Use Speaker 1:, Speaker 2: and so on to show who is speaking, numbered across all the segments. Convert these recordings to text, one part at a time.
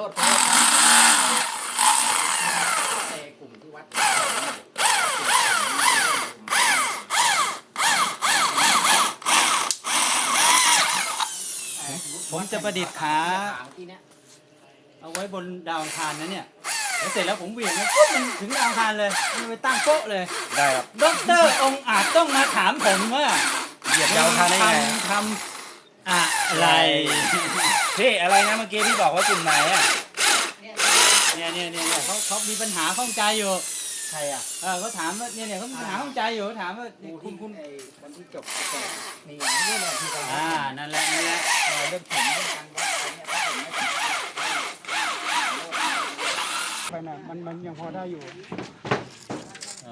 Speaker 1: ษไอ้กลุ่มที่วัด
Speaker 2: ผมจะประดิษฐ์ขาเอาไว้บนดาวอังคารนะเนี่ยแล้วเสร็จแล้วผมเหวี่ยงมันปุ๊บมันถึงดาวอังคารเลยมันไปตั้งโป๊ะเลย
Speaker 3: ได้ครับ
Speaker 2: ด็อกเตอร์องค์อาจต้องมาถามผมว่า
Speaker 3: เหยียบดาวอังคารได้ไง
Speaker 2: ทำอะไร
Speaker 3: พี่อะไรนะเมื่อกี้พี่บอกว่ากลุ่มไหนอ่ะ
Speaker 2: เนี่ยเขามีปัญหาข้องใจอยู่
Speaker 1: ใครอ่ะ
Speaker 2: เขาถามว่าเนี่ยเขามีปัญหาข้องใจอยู่เขาถามว่า
Speaker 1: คุณ
Speaker 2: คุณ
Speaker 1: ไอ้คนที่จบเกษตรนี่อย่างนี้แหละที่เรา
Speaker 2: นั่นแหละ
Speaker 1: เรื่องผมเรื่องการวัดอะไรเนี่ยถ้าผมไม่
Speaker 4: ไปน่ะมันยังพอได้อยู่
Speaker 2: อ๋อ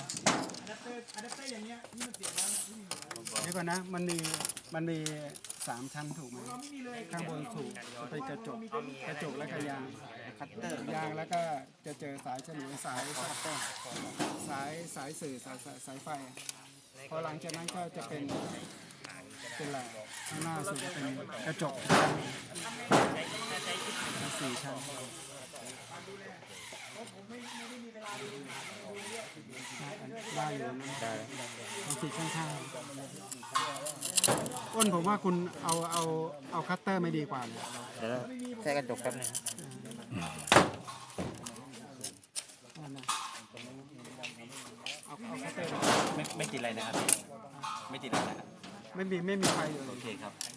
Speaker 4: เดี๋ยวก่อนนะมันมี3 ชั้นถูกไหมข้างบนสูงเป็นกระจกและก็ยางคัตเตอร์ยางแล้วก็จะเจอสายฉนวนสายคัตเตอร์สายสื่อสายไฟพอหลังจากนั้นก็จะเป็นอะไรข้างหน้าสุดจะเป็นกระจก4 ชั้นได้อยู่นะต้องติดข้างๆอ้นผมว่าคุณเอาคัตเตอร์ไม่ดีกว่าเลย
Speaker 3: เดี๋ยวแค่กระจกแป๊บนึง
Speaker 4: เอาคัตเตอร์
Speaker 3: ไม่ติดอะไรนะครับไม่ติดอะไรนะครับ
Speaker 4: ไม่มีไฟเลย
Speaker 3: โอเคครับ